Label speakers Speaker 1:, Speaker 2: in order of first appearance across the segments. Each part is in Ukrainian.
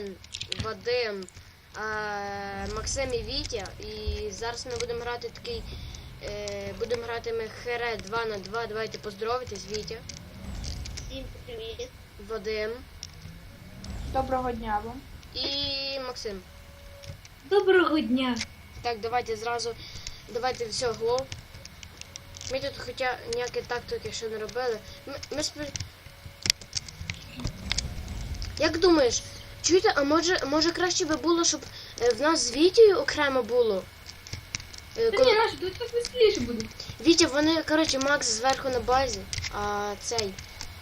Speaker 1: Євген, Вадим, Максим і Вітя. І зараз ми будемо грати такий... будемо грати ми Хере 2 на 2. Давайте поздоровитесь, Вітя.
Speaker 2: Всім привіт.
Speaker 1: Вадим.
Speaker 3: Доброго дня вам.
Speaker 1: І Максим.
Speaker 2: Доброго дня.
Speaker 1: Так, давайте зразу... Давайте все, глов. Ми тут хоча ніякі тактики ще не робили. Як думаєш, чуєте, а може краще би було, щоб в нас з Вітєю окремо було?
Speaker 2: Та ні, наше, тут так веселіше буде.
Speaker 1: Вітя, вони, коротше, Макс зверху на базі, а цей...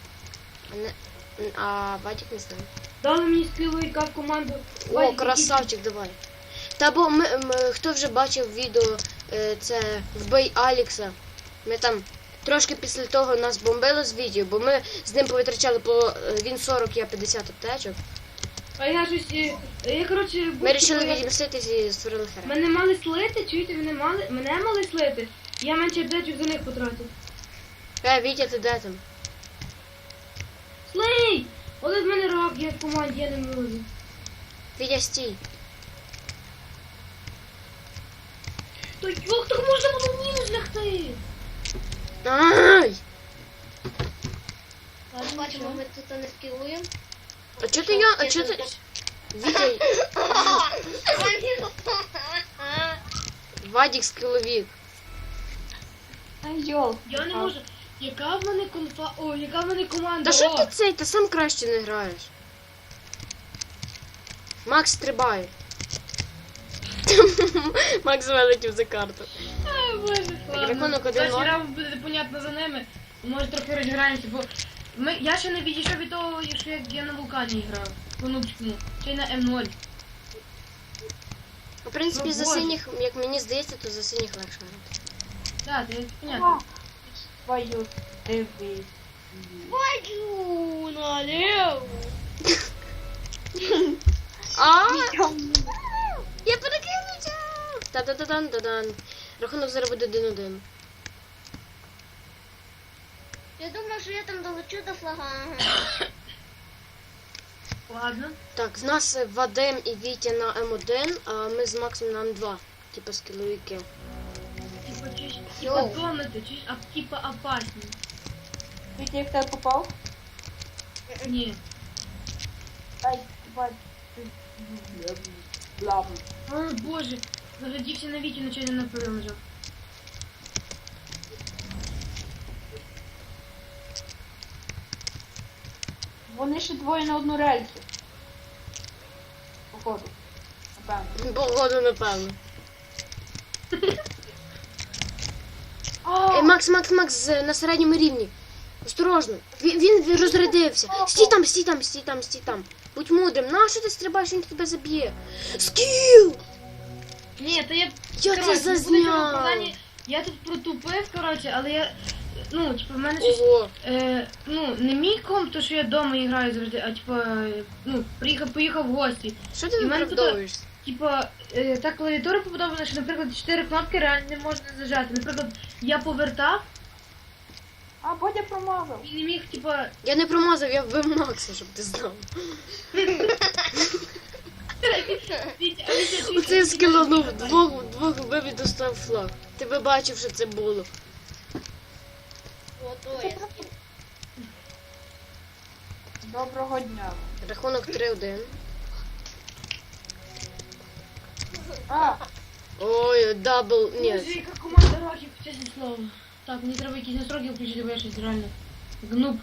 Speaker 1: А Вадик не знає.
Speaker 2: Дали мені співайка в команду.
Speaker 1: О, красавчик, давай. Та бо хто вже бачив відео, це вбий Алікса. Ми там трошки після того нас бомбило з відео, бо ми з ним повитрачали по він 40, я 50 аптечок.
Speaker 2: А я щось, я, коротше...
Speaker 1: Ми вирішили відміститись і створили Хере.
Speaker 2: Мене мали слити, чуєте, мене мали слити. Я менше аптечок за них потратив.
Speaker 1: Вітя, ти де там?
Speaker 2: Слий! От в мене рак, я в команді, я не можу.
Speaker 1: Вітя, стій.
Speaker 2: То як так можна було в мінус лягти?
Speaker 1: Ай!
Speaker 2: Бачимо, ми тут не скілуємо.
Speaker 1: А чого ти я? А чого ти? Вітя, Вадик скіловік.
Speaker 3: Ай, йол.
Speaker 2: Я не можу. Яка в мене конфа... О, яка в мене команда?
Speaker 1: Та що
Speaker 2: О!
Speaker 1: ти цей? Ти сам краще не граєш. Макс стрибає. Макс вилетів за карту.
Speaker 2: Ай, боже,
Speaker 1: рахунок 1-0.
Speaker 2: Перший раунд буде непонятно за ними. Може трохи розіграємося, бо я ще не відійшов від того, що я на вулкані грав. По нубському. Чи на М0.
Speaker 1: В принципі,
Speaker 2: Ну,
Speaker 1: за
Speaker 2: боже.
Speaker 1: синіх, як мені здається, то за синіх легше грати.
Speaker 2: Так, це понятно.
Speaker 3: Твою диви.
Speaker 2: Пойду налево.
Speaker 1: А! Я перекинувся! Та-да-да-дан-да-дан. Рахунок зараз буде 1-1.
Speaker 4: Я думаю, що я там долечу до флага.
Speaker 2: Ладно.
Speaker 1: Так, з нас Вадим і Вітя на М1, а ми з Максом на М2. Типа скіловики.
Speaker 2: Типа чуть
Speaker 1: Йоу.
Speaker 2: комнати, чуть типа опасні.
Speaker 3: Вітя, як тебе попав?
Speaker 2: Ні.
Speaker 3: Ай, бать. Блам.
Speaker 2: О, боже. Заглядівся на Вітю, нечайно на полі лежав.
Speaker 3: Вони ще двоє на одну рельсу. Походу. Напевно.
Speaker 1: Погоду, напевно.
Speaker 3: А,
Speaker 1: Макс, на середньому рівні. Осторожно. Він розрядився. Стій там. Будь мудрим. Нащо ти стрибаєш, він тебе заб'є? Скіл!
Speaker 2: Ні, то я...
Speaker 1: Я це
Speaker 2: коротше,
Speaker 1: зазняв.
Speaker 2: Я тут протупив, коротше, але я... Ну, типу, в мене щось...
Speaker 1: Ого.
Speaker 2: Ну, не мій комп, то що я вдома граю завжди, а типу, ну, поїхав в гості.
Speaker 1: Що ти
Speaker 2: І в мене
Speaker 1: виправдовуєшся?
Speaker 2: Типа, та клавіатура побудована, що, наприклад, 4 кнопки реально не можна зажати. Наприклад, я повертав
Speaker 3: Бодя промазав.
Speaker 2: і не міг, типа...
Speaker 1: Я не промазав, я вбив Макса, щоб ти знав. Оце я скиланув, двох вбив і достав флаг. Ти би бачив, що це було.
Speaker 4: Готує.
Speaker 3: Доброго дня.
Speaker 1: Рахунок 3-1.
Speaker 3: А,
Speaker 1: Ой, дабл, ні.
Speaker 2: Боже, яка команда років, чесне слово. Так, мені треба якісь настройки включити, бо я щось реально гнуб.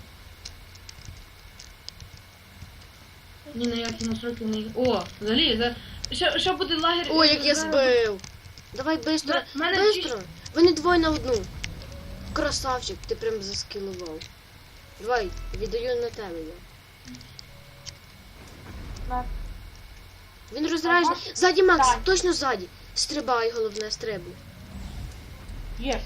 Speaker 2: Ні, на які настройки не... О, взагалі, що буде лагер...
Speaker 1: Ой, як я збив. Давай бистро,
Speaker 2: В мене
Speaker 1: бистро. Вони двоє на одну. Красавчик, ти прям заскілував. Давай, віддаю на тебе я.
Speaker 3: на.
Speaker 1: Він розражений. Ззаді Макс,
Speaker 3: Так.
Speaker 1: точно ззаді. Стрибай, головне, стрибай.
Speaker 3: Єс.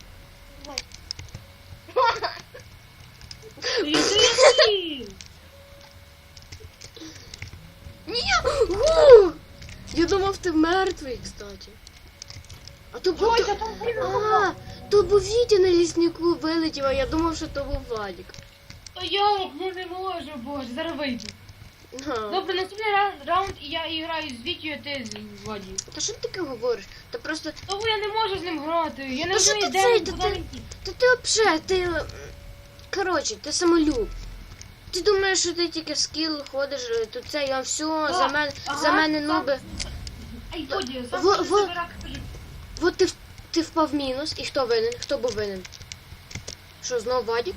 Speaker 1: Ні! Гу! Я думав, ти мертвий, кстати. А то був...
Speaker 3: Бодя, там
Speaker 1: А, то був Вітя на ліснику вилетів, а я думав, що то був Владик.
Speaker 2: Та як, ну не можу, боже, зараз вийду.
Speaker 1: Ну.
Speaker 2: Добре, наступний раунд, і я і граю з Вітю, а ти з Ваді.
Speaker 1: Та що ти таке говориш? Та просто.
Speaker 2: Тому я не можу з ним грати. Я не
Speaker 1: Та що
Speaker 2: розумію,
Speaker 1: ти
Speaker 2: де
Speaker 1: цей,
Speaker 2: він,
Speaker 1: та
Speaker 2: куди
Speaker 1: ти-
Speaker 2: він ті.
Speaker 1: Та ти взагалі, ти. Коротше, ти самолюб. Ти думаєш, що ти тільки скіл ходиш, тут це я все, за мене, за мене нуби.
Speaker 2: Ай, Воді, сам
Speaker 1: Во-
Speaker 2: собі
Speaker 1: во-
Speaker 2: забирак кажу.
Speaker 1: От ти впав в мінус, і хто винен? Хто був винен? Що, знов Вадік?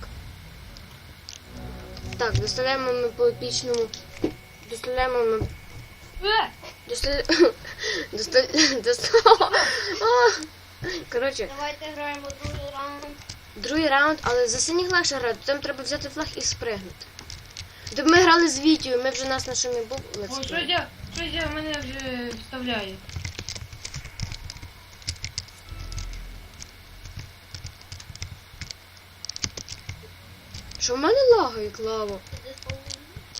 Speaker 1: Так, доставляємо ми по епічному. Доставляємо ми. Коротше,
Speaker 4: Давайте граємо другий раунд.
Speaker 1: другий раунд, але за синіх легше грати, там треба взяти флаг і спригнути. Тобто ми грали з Вітєю, ми вже нас на що не був.
Speaker 2: О, щось я мене вже вставляє.
Speaker 1: Що в мене лагає, Клаво?
Speaker 4: Іди з половиною.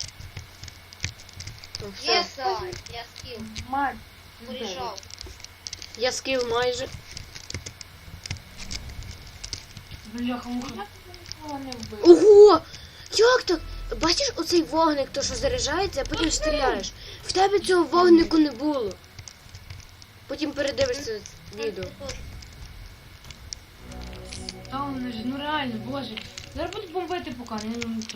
Speaker 1: Ну, все.
Speaker 4: Є сайт, я скіл.
Speaker 3: Мать.
Speaker 4: Порішав.
Speaker 1: Я скіл майже.
Speaker 2: Бляха-муха.
Speaker 3: Я тебе нікого не вбив.
Speaker 1: Ого! Як так? Бачиш оцей вогник, то що заряджається, а потім стріляєш. В тебе цього вогнику не було. Потім передивишся відео.
Speaker 2: Та вони ж, ну реально, боже. Зараз будуть бомбити поки, не ніхто.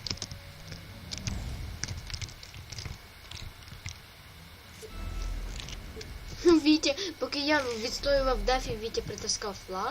Speaker 1: Вітя, поки я відстоював дефі, Вітя притискав флаг.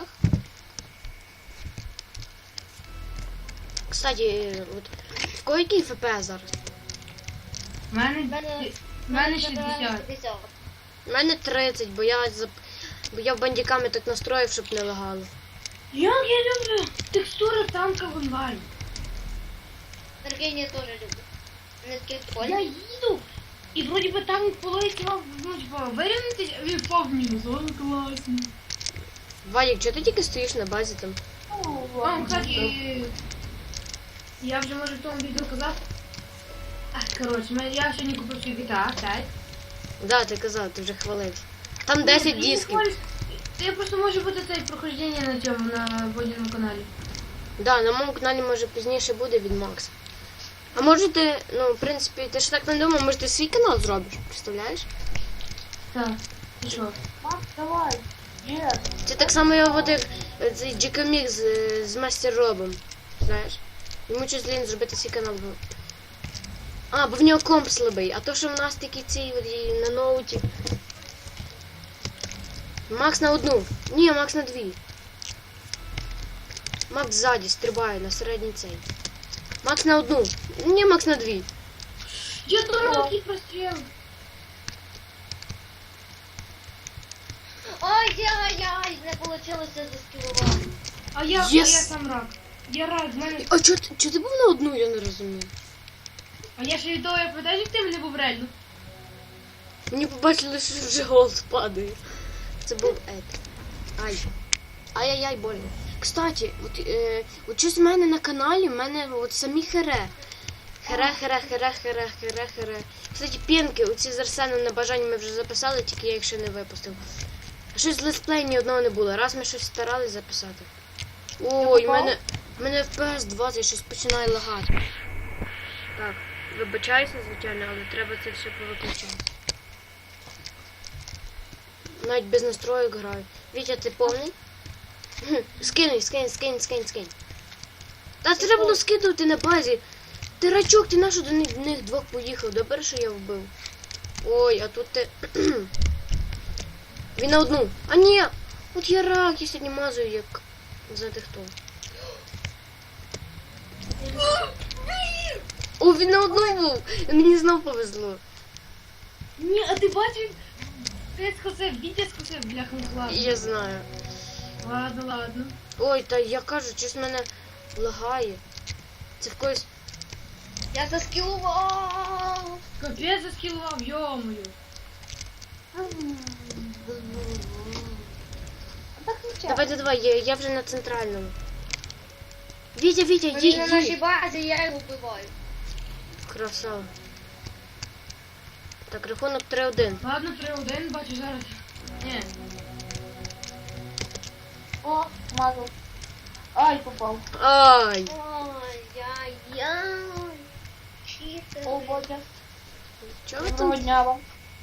Speaker 1: Кстати, от в кого який ФП зараз?
Speaker 2: В мене,
Speaker 4: Мене-
Speaker 2: в мене 60.
Speaker 4: 60.
Speaker 1: У мене 30, бо я бандиками так настроїв, щоб не лагало.
Speaker 2: Як я люблю текстури танка в онлайн.
Speaker 4: Сергій я теж люблю. Вони такі
Speaker 2: Я
Speaker 4: прикольні.
Speaker 2: їду, і вроді би танк полетів, ну типа, вирівнятись, а він впав в мінус. О, класно.
Speaker 1: Вадик, чого ти тільки стоїш на базі там?
Speaker 3: Ну,
Speaker 2: Вам,
Speaker 3: ладно.
Speaker 2: кстати, я вже може в тому відео казав. Коротше, я сьогодні купив свій GTA 5.
Speaker 1: Да, ти казав, ти вже хвалився. Там 10 дисків.
Speaker 2: Я просто може бути це прохождення на цьому, на Водяному каналі.
Speaker 1: Да, на моєму каналі може пізніше буде від Макса. А може ти, ну, в принципі, ти ж так не думав, може ти свій канал зробиш, представляєш?
Speaker 2: Так, і що?
Speaker 3: Макс, давай. Є.
Speaker 1: Це так само його от як цей Джекомік з Мастер Робом. Знаєш? Йому щось лінь зробити свій канал. А, бо в нього комп слабий, а то, що в нас такі ці от і на ноуті. Макс на одну. Ні, Макс на дві. Макс ззаді стрибає на середній цей. Макс на одну. Ні, Макс на дві.
Speaker 2: Я дуракий простріл.
Speaker 4: Ай-яй-яй, не вийшло заскілувати.
Speaker 2: А я
Speaker 1: Yes.
Speaker 2: сам рак. Я рак, в мене.
Speaker 1: А чого ти був на одну, я не розумію.
Speaker 2: А я ще від того, я пам'ятаю, як ти мене був реально.
Speaker 1: Мені побачили, що вже голос падає. Це був епік. Ай. Ай-яй-яй, больно. Кстати, от щось в мене на каналі, в мене от самі хере. Хере. Кстати, пінки, оці з Арсеном на бажання ми вже записали, тільки я їх ще не випустив. А щось з летсплей ні одного не було. Раз ми щось старались записати. Ой, в мене FPS 20 щось починає лагати. Так, вибачаюся, звичайно, але треба це все повиключати. Навіть без настроїк граю. Вітя, ти повний? Скинь. Та треба було скидувати на базі. Ти рачок, ти нащо до них двох поїхав? Добре, що я вбив. Ой, а тут ти... Він на одну. А ні! От я рак, я сьогодні мазую, як... Знаєте хто. О, він на одну був! Мені знов повезло.
Speaker 2: Ні, а ти бачив? Ти скосив, Вітя скосив, бляха, ладно.
Speaker 1: Я знаю.
Speaker 2: Ладно.
Speaker 1: Ой, та я кажу, щось мене лагає. Це в когось...
Speaker 4: Я заскілував.
Speaker 2: Капець заскілував, йомою.
Speaker 3: Так нічого.
Speaker 1: Давай, я вже на центральному. Вітя,
Speaker 4: Він на нашій
Speaker 1: їдь.
Speaker 4: базі, я його вбиваю.
Speaker 1: Красава. Так, рахунок 3-1.
Speaker 2: Ладно, 3-1, бачу зараз. Ні.
Speaker 3: О, мазав. Ай, попав.
Speaker 1: Ай!
Speaker 4: Ой-яй-яй. Чисто
Speaker 3: О, Бодя.
Speaker 1: Чого ви
Speaker 3: Доброго
Speaker 1: там?
Speaker 3: дня вам.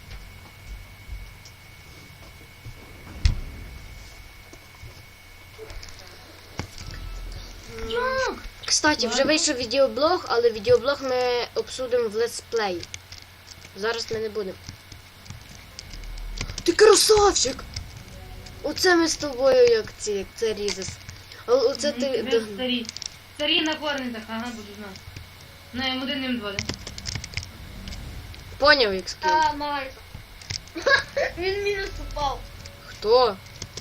Speaker 2: Як?
Speaker 1: Кстати, вже вийшов відеоблог, але відеоблог ми обсудимо в летсплей. Зараз ми не будемо. Ти красавчик! Оце ми з тобою як це різес. Оце ти.
Speaker 2: Де старі. Старі на корнетах, ага, буду знати. На М1, М2, да?
Speaker 1: Поняв, як скіл.
Speaker 4: А, Марк. Він мінус упав.
Speaker 1: Хто?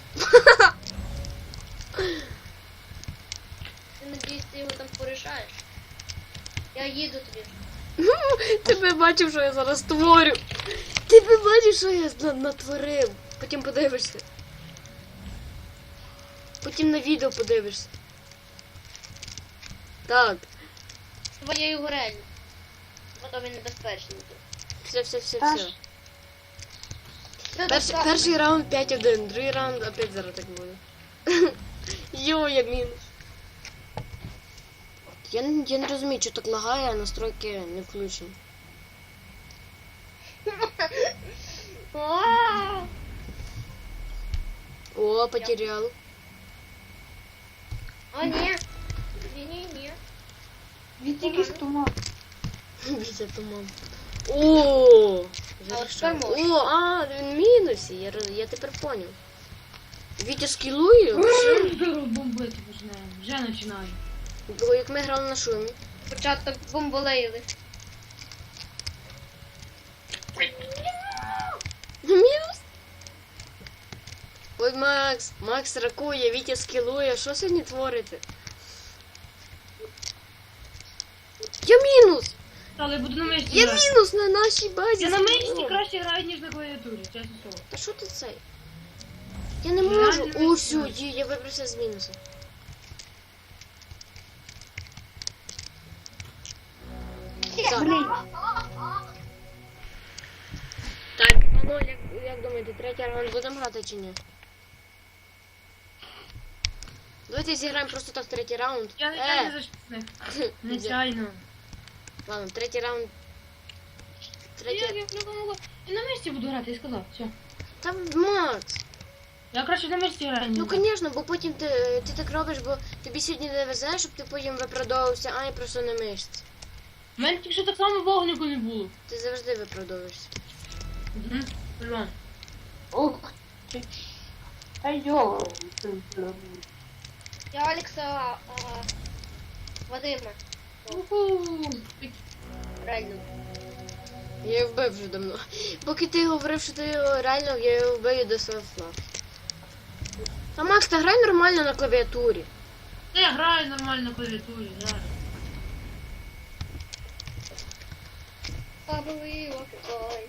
Speaker 4: Ти надіюсь, ти його там порішаєш. Я їду тобі.
Speaker 1: Ти би бачив, що я зараз творю. Ти би бачив, що я натворив. Потім подивишся. Потім на відео подивишся. Так,
Speaker 4: Твоєю горелью. Бо то він небезпечний.
Speaker 1: все.
Speaker 3: Та ж.
Speaker 1: Перший раунд 5-1, другий раунд опять зараз так буде. Йо, я мінус. Я не розумію, що так лагає, а настройки не включені.
Speaker 4: Вау!
Speaker 1: О, потерял.
Speaker 4: О, ні. Ні.
Speaker 3: Він тільки з туман.
Speaker 1: Вітя туман. О,
Speaker 4: А от
Speaker 1: зарішав.
Speaker 4: тепер можна.
Speaker 1: О, він в мінусі, я тепер поняв. Вітя скілує, все.
Speaker 2: Здорово бомбити починаємо. Вже починаю.
Speaker 1: Бо як ми грали на шумі.
Speaker 4: Початок бомболейли.
Speaker 1: Мінус? Ой, Макс ракує, Вітя скілує, що сьогодні творите? Я мінус!
Speaker 2: Але буду на мишці
Speaker 1: Я
Speaker 2: грати.
Speaker 1: мінус на нашій базі.
Speaker 2: Я на мишці
Speaker 1: скілую.
Speaker 2: краще граю, ніж на клавіатурі, чесно слово.
Speaker 1: Та що ти цей? Я не
Speaker 2: Я
Speaker 1: можу.
Speaker 2: не
Speaker 1: О, все,
Speaker 2: знаю.
Speaker 1: я вибрався з мінуса. Так.
Speaker 3: Блін.
Speaker 1: Так, ну як думаєте, третій раунд будемо грати чи ні? Давайте зіграємо просто так третій раунд.
Speaker 2: Я не зачисник. Нечайно.
Speaker 1: Ладно, третій раунд.
Speaker 2: Я на мишці буду грати, я сказав, все.
Speaker 1: Там Макс.
Speaker 2: Я краще на мишці граю.
Speaker 1: Ну звісно, бо потім ти так робиш, бо тобі сьогодні не везе, щоб ти потім виправдовувався, а я просто на мишці.
Speaker 2: У мене тільки що так само вогнику не було.
Speaker 1: Ти завжди виправдовуєшся.
Speaker 2: Угу. Пожалуйста.
Speaker 3: Ух ти. Та йо.
Speaker 4: Я Алекса Вадима.
Speaker 2: Уху.
Speaker 4: Реально.
Speaker 1: Я його вбив вже давно. Поки ти говорив, що ти його реально, я його вбив до селфла. А Макс, та грай нормально на клавіатурі.
Speaker 2: Я граю нормально на клавіатурі, граю.
Speaker 4: Бабовий локой.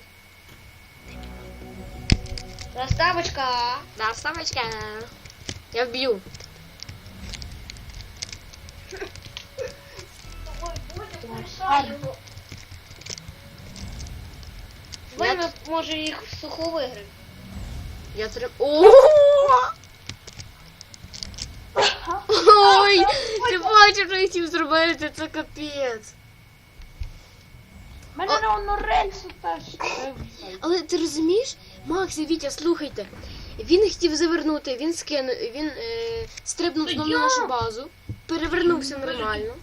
Speaker 4: Розставочка.
Speaker 1: Да, ставочка. Я вб'ю.
Speaker 4: Ой, Бодя, порішай його. Вийме, може, їх в суху виграв.
Speaker 1: Я трим... О! Ой, ти бачиш, що я хотів зробити, це капець.
Speaker 3: Мене на воно рельсу теж.
Speaker 1: Але ти розумієш, Макс і Вітя, слухайте. Він хотів завернути, він скинув, він стрибнув знову на нашу базу, перевернувся нормально.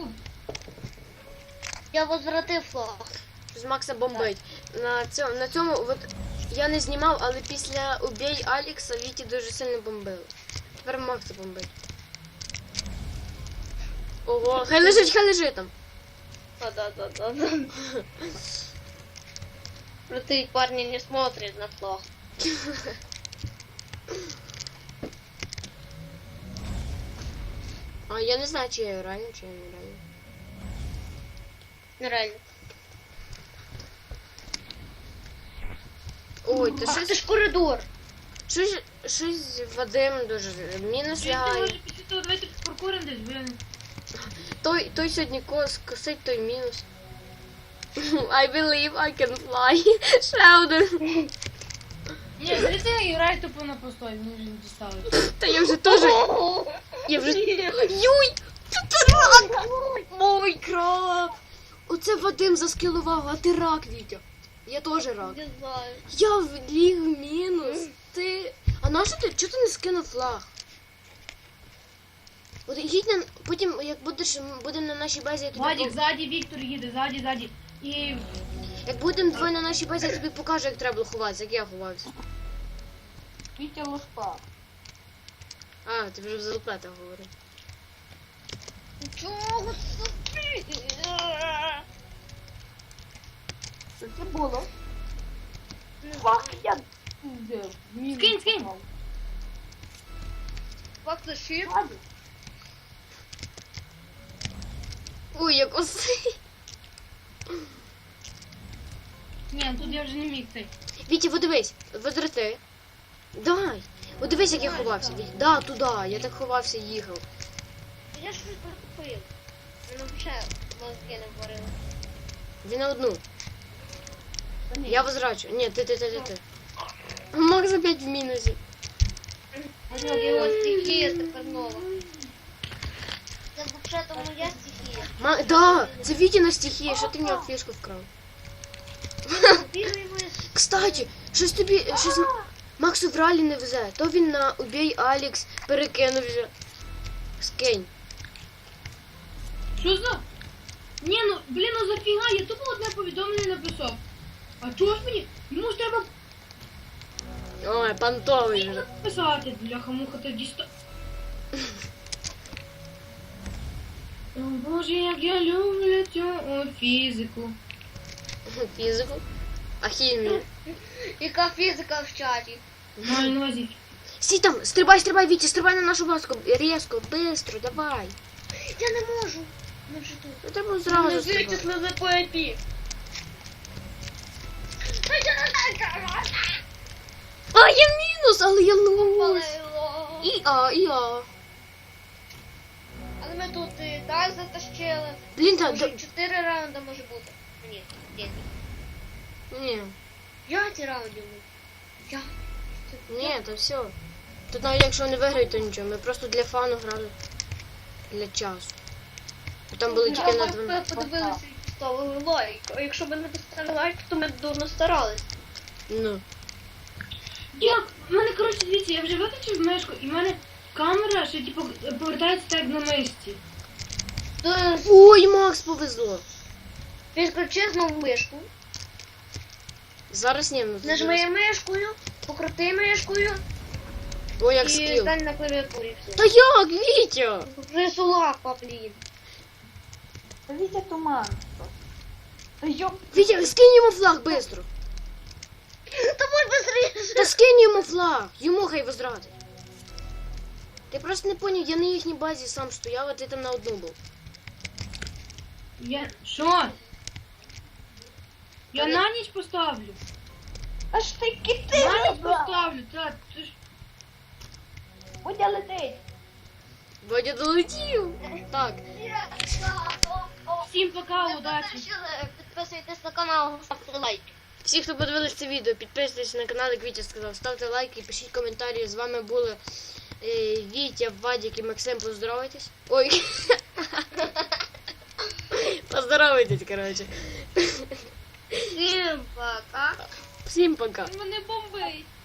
Speaker 4: Я возвратив флаг.
Speaker 1: З Макса бомбить. На цьому от, я не знімав, але після убій Алекса Віті дуже сильно бомбили. Тепер Макса бомбить. Ого, хай лежить там.
Speaker 4: Да. Крутые парни не смотрят на флаг.
Speaker 1: А я не знаю, чи я реально, чи я не реально.
Speaker 4: Нереально.
Speaker 1: Ой, та
Speaker 4: Ах,
Speaker 1: щось,
Speaker 4: це ж коридор.
Speaker 1: щось Вадим дуже мінус
Speaker 2: Я
Speaker 1: лягає.
Speaker 2: може після того давайте паркурим десь, бо я не...
Speaker 1: Той сьогодні косить, той мінус. I believe I can fly. Ще один.
Speaker 2: Ні, звідси я граю тупо на постой, мені вже не дістали.
Speaker 1: Та я вже теж. Я вже. Юй! Це рак! Мой краб! Оце Вадим заскілував, а ти рак, Вітя. Я теж рак.
Speaker 4: Не знаю.
Speaker 1: Я вліг в мінус. Ти. А нащо ти? Чого ти не скинув флаг? От їдь на. Потім, як будемо на нашій базі, я тобі.
Speaker 2: Вадік, ззаді Віктор їде, ззаді. І
Speaker 1: Як будемо двоє на нашій базі, я тобі покажу, як треба було ховатися, як я ховався.
Speaker 3: Вітя лошпа.
Speaker 1: А, ти вже в залупетах говорив.
Speaker 4: Чого ти?
Speaker 3: Що це було? Фак, я...
Speaker 2: Скинь.
Speaker 4: Факт зашив.
Speaker 3: Ладно.
Speaker 1: Ой, як оси.
Speaker 2: ні, тут я вже не міг цей.
Speaker 1: Вітя, подивись, возрати. Дай. От дивись, як я ховався. Вітя. Да, туди. Я так ховався і їхав.
Speaker 4: Я щось прикупив. Воно взагалі мозки не варили.
Speaker 1: Він на одну.
Speaker 3: Та ні.
Speaker 1: Я возрачу. Ні, ти. Макс опять в мінусі.
Speaker 4: Його стихія тепер нова. Це взагалі-то моя стихія.
Speaker 1: Да, це Вітіна стихія, що ти в нього фішку вкрав.
Speaker 4: Бігаємо.
Speaker 1: Кстати, щось Максу в ралі не везе. То він на убій Алікс перекинувся. Скинь.
Speaker 2: Що за? Ні, ну, блін, ну зафіга, я тупо одне повідомлення написав. А чого ж мені? Йому ж треба
Speaker 1: Ой, понтовий вже.
Speaker 2: писати, бляха-муха, тоді сто... О, Боже, як я люблю цю фізику.
Speaker 1: Фізику. А хімію.
Speaker 4: Яка фізика в чаті?
Speaker 2: Маю на увазі.
Speaker 1: Стій там, стрибай, Вітя, стрибай на нашу баску. Різко, бистро, давай.
Speaker 4: Я не можу. Ми вже тут.
Speaker 1: Ну треба зразу стрибати.
Speaker 4: Вичислили по IP.
Speaker 1: А, я в мінус, але я луз.
Speaker 4: Палило.
Speaker 1: І а.
Speaker 4: Але ми тут і так затащили.
Speaker 1: Блін,
Speaker 4: Може 4 раунди може бути. Ні, 5.
Speaker 1: Ні,
Speaker 4: 5 раундів. Я.
Speaker 1: ні, то все. Тут навіть якщо не виграють, то нічого. Ми просто для фану грали. Для часу. Бо там були тільки на 12.
Speaker 4: Ми подивилися і поставили лайк. А якщо б не поставили лайк, то ми б дурно старались.
Speaker 1: Ну.
Speaker 2: Як? У мене, коротше, дивіться, я вже виключив мишку, і в мене камера ще, типу, повертається так на мишці.
Speaker 4: То
Speaker 1: Ой, Макс, повезло.
Speaker 4: підключи знову мишку.
Speaker 1: Зараз ні, ну
Speaker 4: Нажми мишкою, покрути мишкою
Speaker 1: Ой, як
Speaker 4: і
Speaker 1: скіл.
Speaker 4: стань на клавіатурі. Все.
Speaker 1: Та як, Вітя?
Speaker 4: Вже лапа, блін.
Speaker 3: Та Вітя туман. Та йоп.
Speaker 1: Вітя, скинь йому флаг бистро.
Speaker 4: Давай быстрее.
Speaker 1: Та скинь йому флаг. Йому хай возрадить. Ти просто не поняв, я на їхній базі сам стояв, а ти там на одну був.
Speaker 2: Я... Що? Я
Speaker 1: Та
Speaker 2: на ніч поставлю.
Speaker 3: Аж ти
Speaker 2: На ніч
Speaker 3: кити.
Speaker 2: поставлю, так. Ти ж...
Speaker 3: Будя летить.
Speaker 1: Бодя долетів. Так.
Speaker 2: Всім пока, удачі.
Speaker 4: Підписуйтесь на канал, ставте лайк.
Speaker 1: Всі, хто подивились це відео, підписуйтесь на канал, як Вітя сказав, ставте лайки, пишіть коментарі. З вами були Вітя, Вадік і Максим. Поздоровайтесь. Ой. Поздоровайтесь, коротше.
Speaker 4: Всім пока.
Speaker 1: Всім пока.
Speaker 2: Мене бомбить.